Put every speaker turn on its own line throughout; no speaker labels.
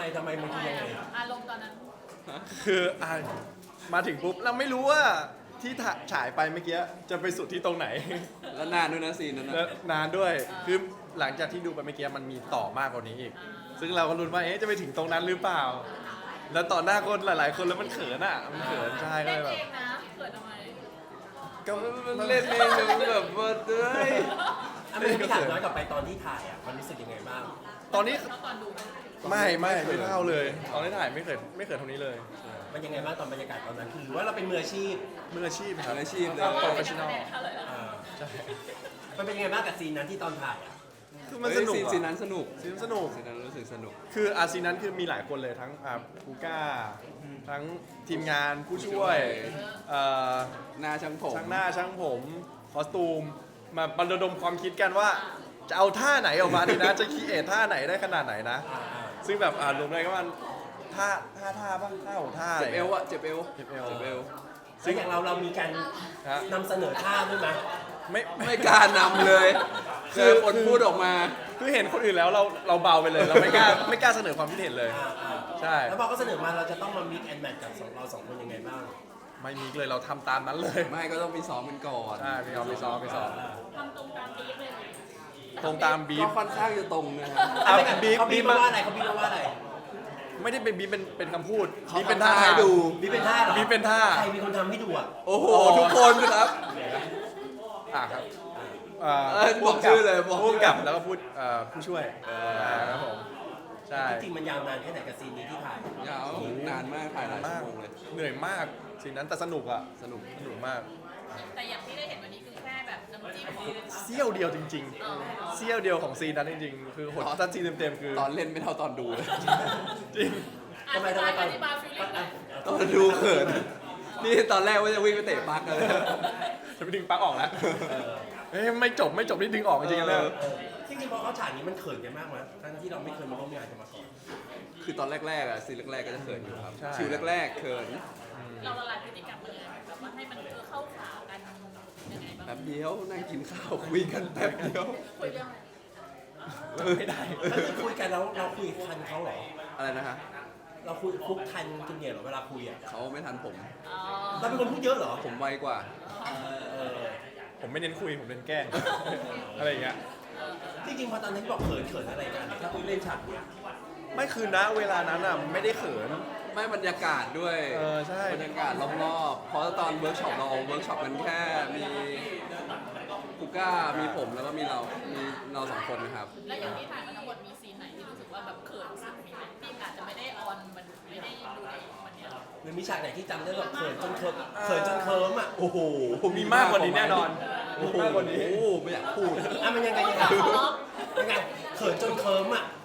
ทำไมมันคือยังไง
อารมณ์ตอนนั้น
คือมาถึงปุ๊บเราไม่รู้ว่าที่ฉายไปเมื่อกี้จะไปสุดที่ตรงไหน
แล้วนานด้วยนะซีนนั้น
และ
นะ
นานด้วยคือหลังจากที่ดูไปเมื่อกี้มันมีต่อมากกว่านี้อีก ซึ่งเราก็ลุ้นว่าจะไปถึงตรงนั้นหรือเปล่า แล้วต่อหน้าคนหลาย ๆ คนแล้วมันเขินมันเขินใช่ก็
เล่
เล
น
ยแบบ
เองนะเขินทำไม
ก็
มันเล่นเองแบบว่าเฮ้ย
ไม่พี่ถามย้อนกลับไปตอนที่ถ่ายมันรู้สึกยังไงบ้าง
ตอนนี้
แล้วตอนดู
ไม่เท่าเลย ตอนที่ถ่ายไม่เขินเท่านี้เลย
มันยังไงบ้างตอนบรรยากาศตอนนั้นคือหรือว่าเราเป็นมืออาชีพ
มืออาชีพครับ
มืออาชีพเลย
โปรเฟชชั่นอล
เท่าไหร่แล้ว
ใช่
มันเป็นยังไงบ้างกับซีนนั้นที่ตอนถ่ายอ่ะ
คือมันสนุก
ซีนนั้นสนุก
ซีนสนุก
ซีนนั้นรู้สึกสนุก
คือซีนนั้นคือมีหลายคนเลยทั้งคูก้าทั้งทีมงานผู้ช่วยเอ่อ
หน้าช่างผม
ช่างหน้าช่างผมคอสตูมมาบรรดมความคิดกันว่า จะเอาท่าไหนออกมาดีนะ จะคิดท่าไหนได้ขนาดไหนนะ ซึ่งแบบรวมได้ก็มันท่าป่ะท่าของท่าอะไร
เจ็บเอวอะเจ็บเอว
เจ็บเอว
เจ็บเอว
ซึ่งอย่างเรามีการ
ฮะ
นำเสนอท่าด้วยไหม
ไม่กล้านำเลยคือคนพูดออกมา
คือเห็นคนอื่นแล้วเราเบาไปเลย เราไม่กล้าเสนอความคิดเห็นเลย ใช่
แล้วพอเขาเสนอมาเราจะต้องมามิกแอนด์แมทกับเราสองคนยังไงบ้าง
ไม่มีเลยเราทำตามนั้นเลย
ไม่ก็ต้องไปซ้อมกันก่อน
ใช่ไปซ้อม
ทำตรงตามบีฟเลย
ตรงตามบี
ก็
ฟ
ค่อนข้างจะตรงนะครับ
บีฟ
เขาบีบ
มา
มาว่าอะไรเขาบีบมาว่าอะไร
ไม่ได้เป็นบีฟเป็นคำพูด
เขา
บีฟเป็น
ทำ
ท่า
ท่าให้
ให้
ดู
ดู
บีบเป็นท่าเหรอ
บีฟเป็นท่า
ใครมีคนทำให้ดูอ่ะ
โอ้โหทุกคนครับ
ครับ
บอกชื่อเลยบอก
พูดกับแล้วก็พูดผู้ช่วยครับผมใช่
จริงๆมันยาวนานแค่ไหนกับซีนนี้ที่ถ่าย
ยาวนานมากถ่ายหลายชั่วโมงเลย
เหนื่อยมากสิ่งนั้นแต่สนุก
สนุก
มาก
แต่อย่างที่ได้เห็นวันนี้คือแค่แบบน้ำจิ้ม
เสี้ยวเดียวจริงๆเสี้ยวเดียวของซีนนั้นจริงๆคือหดถ้าซีนเต็มๆคือ
ตอนเล่นไม่เท่าตอนดูเลย
จริง
อธิบายฟีลลิ่งหน่อย
ตอนดูเขินนี่ตอนแรกว่าจะวิ่งไปเตะปักเลย
จะไปดึงปลั๊กออกแล้วไม่จบนี่ดึงออกจริงๆแล้ว
จริงๆพอเขาฉากนี้มันเขินกันมากไหมทั้งที่เราไม่เคยมาร่วมงานกันมาก่อน
คือตอนแรกๆอะซีนแรกๆก็จะเขินอยู่ครับ
ใช่
คิวแรกๆเขิน
เราละลายพฤติกรรมเลยแบบว่าให้มันเข้าขากันยังไงบ้าง
แป๊บเดียวนั่งกินข้าวคุยกันแป๊บเดียว
คุยเรื่องอะไร
ไม่ได้
แล้วคือคุยกันแล้วเราคุยทันเขาเหรอ
อะไรนะฮะ
เราคุยคุกทันคุณเนี่ยเหรอเวลาคุยอ่ะ
เขาไม่ทันผม
อ๋อ
เราเป็นคนพูดเยอะเหรอ
ผมไวกว่า
เออ
ผมไม่เน้นคุยผมเน้นแกล้ง อะไรอย่างเงี้ย
จริงๆพอตอนนั้นบอกเขินอะไรกันถ้าคุยเล่นฉากเนี้ย
ไม่คือณเวลานั้นไม่ได้เขิน
ไม่บรรยากาศด้วย
ใช่
บรรยากาศรอบๆเพราะตอนเวิร์กช็อปเราเวิร์กช็อปกันแค่มีกูก้ามีผมแล้วก็มีเราสองคนนะครับ
แล้วอย่างที่ถ่ายมาทั้งหมดมีซีนไหนที่รู้สึกว่าแบบเขินสุดมีไหมที่อาจจะไม่ได้ออนมันไม่ได้ดูในวันเนี้ย
หรือมีฉากไหนที่จำได้แบบเขินจนเคิร์มอ่ะ
โอ้โห
มีมากกว่านี้แน่นอนมีมากกว่านี้
โอ้โหไม่อยากพูด
อ่ะมันยังไงยังไงเขินจนเคิร์มอ่ะ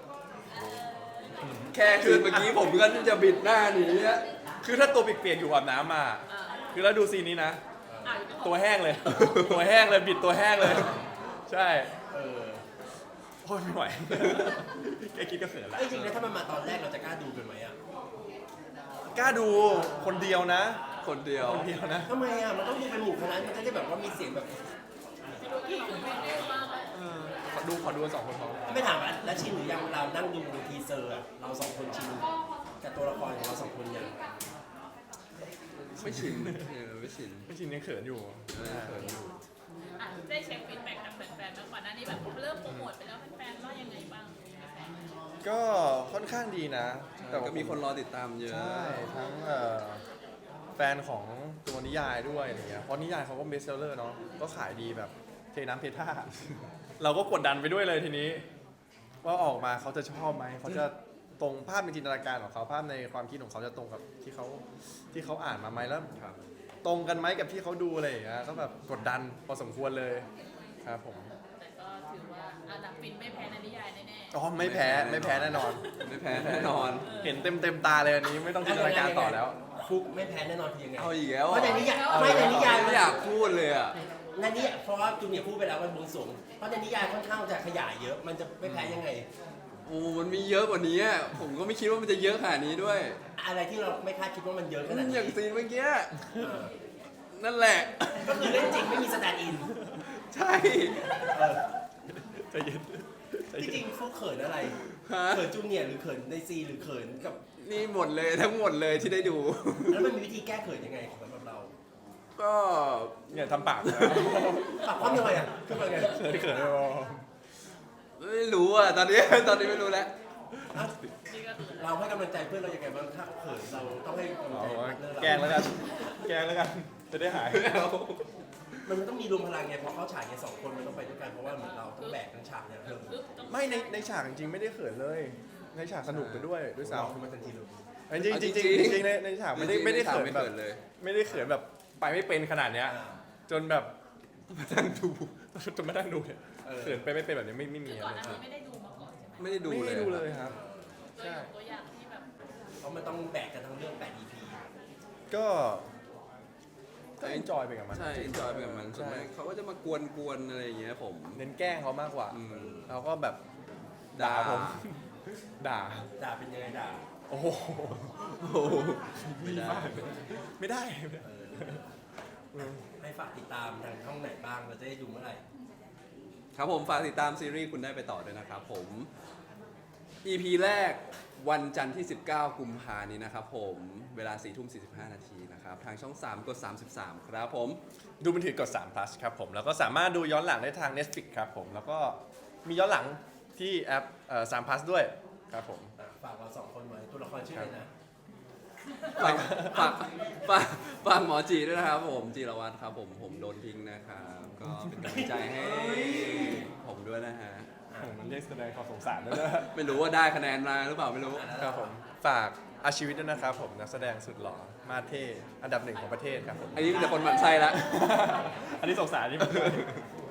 แค่คือเมื่อกี้ผมก็จะบิดหน้าหนีอะ
คือถ้าตัวเปียกๆอยู่อาบน้ำมา คือแล้วดูซีนนี้นะ ตัวแห้งเลย ตัวแห้งเลยบิดตัวแห้งเลย ใช่
เออ
โอ้ยไม่ไหว แค่คิดก็เขินละ
จริงๆแล้วถ้ามันมาตอนแรกเราจะกล้าดูกันไหมอ่ะ
กล้าดูคนเดียวนะ
คนเดียว
คนเดียวนะ
ทำไมอ่ะมันต้องดูเป็นหมู่คณะมันจะได้แบบว่ามีเสียงแบบ
ที่คือไม่ได้มากเลย
ขอดูกันสองคนเขา
ไม่ถามว่าแล้วชินหรือยังเรานั่งดูทีเซอร์อ่ะเราสองคนชินกับตัวละครของเราสองคนยัง
ไม่ชินไม่ชิน
ไม่ชินยังเขินอยู่
เขินอยู่
ได้เช็คฟีดแบ็กจากแฟนๆแล้วก่อนหน้านี้แบบเริ่มโปรโมทไปแล้วแฟนๆว่ายังไงบ้าง
ก็ค่อนข้างดีนะ
แต่ก็มีคนรอติดตามเยอะ
ใช่ทั้งแฟนของตัวนิยายด้วยอะไรเงี้ยเพราะนิยายเขาก็เบสเซลเลอร์เนาะก็ขายดีแบบเทน้ำเทท่า เราก็กดดันไปด้วยเลยทีนี้ ว่าออกมาเขาจะชอบไหมเขาจะตรงภาพในจินตนาการของเขาภาพในความคิดของเขาจะตรงกับที่เขาอ่านมาไหมแล้วตรงกันไหมกับที่เขาดูอะไรอย่างเงี้ยก็แบบกดดันพอสมควรเลยครับผม
แต่ก็ถือว่าอันดับฟินไม่แพ้ในนิยายแน่
อ๋อไม่แพ้แน่นอน
ไม่แพ้แน่นอน
เห็นเต็มตาเลยอันนี้ไม่ต้องจินตนาการต่อแล้ว
ฟุกไม่แพ้แน่นอนคือยังไง
เอาอีกแล้ว
เพราะในนิยายไม่ในนิยาย
ไม่อยากพูดเลยอ่ะ
ในนี้เพราะว่าจูเนียร์พูดไปแล้ววันบวงสรวงเพราะในนิยายค่อนข้างจะขยายเยอะมันจะไม่แพ้ยังไง
โอ้มันมีเยอะกว่านี้อะผมก็ไม่คิดว่ามันจะเยอะขนาดนี้ด้วย
อะไรที่เราไม่คาดคิดว่ามันเยอะขนาด
อ
นี้
ย่างซีนเมื่อกี้
เออ
นั่นแหละ
ก็คือเล่นจริงไม่มีสแตนด์อิน
ใช่
เออ
ใจเย็น
จริงๆฟุกเขินอะไร
ฮะ
เขินจูเนียร์หรือเขินในซีหรือเขินกับ
นี่หมดเลยทั้งหมดเลยที่ได้ดู
แล้วมันมีวิธีแก้เขินยังไงสำหรับเรา
ก็
เนี่ยทำปากนะ
ปากคว่ำยังไงอ่ะขึ้นมาไง
เขินเขินไม่พอ
ไม่รู้อ่ะตอนนี้ ตอนนี้ไม่รู้แล้ว
อ่ะ
นี่ก็คือ
เราให้กำลังใจเพื่อนเรายังไงบ้างถ้าเขินเราต้องให้กำลัง
เอา
ใจ
ว่า
เพื่อนเรา
แกล้งแล้วกันแกล้งแล้วกันจะได้หาย
มันต้องมีรวมพลังไงเพราะเขาฉายแค่สองคนมันต้องไปด้วยกันเพราะว่าเหมือนเราต้องแบกทั้งฉากเนี่ยเพิ่ม
ปึ๊บต้อง
ไม่ในฉากจริงๆไม่ได้เขินเลย ในฉากสนุกไปด้วยซ้
เราคือมันทันทีเลย
ำจริงๆจริงๆจริงๆในฉากไม่ได้เขิน
ไม่
แบบ
เขินเลย
ไม่ได้เขินแบบไปไม่เป็นขนาดเนี้ย จนแบบมานั่งดูจนมานั่งดูเนี่ยเขินไปไม่เป็นแบบนี้ไม่มี
คือ
อะ
ก่อน
ไร
หน้านี้ไม่ได้ดูมาก่อนใช่ไหม
ไม่ได้ดู
ไม่
เลย
ได้ดูเลยครับ
เลยยกตัวอย่างที่แบบ
เพราะมันต้องแบกกันทั้งเรื่อง8 EP
ก็เอนจอยไปกับมัน
ใช่จอยไปกับมัน
ใช่
ส่วนมากเขาก็จะมากวนๆอะไรอย่างเงี้ยผม
เน้นแกล้งเขามากกว่า
อืม
เราก็แบบด่าผม ด่า
ด่าเป็นยังไงด่า
โอ้โห
โอ้โหไม่ได้
ไม่ได้
ให้ฝากติดตามทางช่องไหนบ้างเราจะได้ดูเมื่อไหร่
ครับผมฝากติดตามซีรีส์คุณได้ไปต่อด้วยนะครับผม EP แรกวันจันทร์ที่ 19 กุมภานี้นะครับผมเวลา 4:45 นาทีนะครับทางช่อง 3 กด 33 ครับผม
ดูมือถือกด3 plus ครับผม แล้วก็สามารถดูย้อนหลังได้ทาง Netflix ครับผม แล้วก็มีย้อนหลังที่แอป3 plus ด้วยครับผม
ฝากเราสองคนไว้ตัวละครชื่ออะไรนะ
ฝากฝากฝากฝากหมอจีด้วยนะครับผมจีรวัตรครับผมโดนทิ้งนะครับก็เป็นกำลังใจให้ผมด้วยนะฮะ
มันเรียกแสดงความสงสารด้วยนะ
ไม่รู้ว่าได้คะแนนมาหรือเปล่าไม่รู้
ครับผม ฝากอาชีวิตด้วยนะครับผม นักแสดงสุดหล่อ มาเท่ อันดับ 1 ของประเทศครับผม
อันนี้มีแต่คนหมั่นไส้ละ
อันนี้สงสารนี่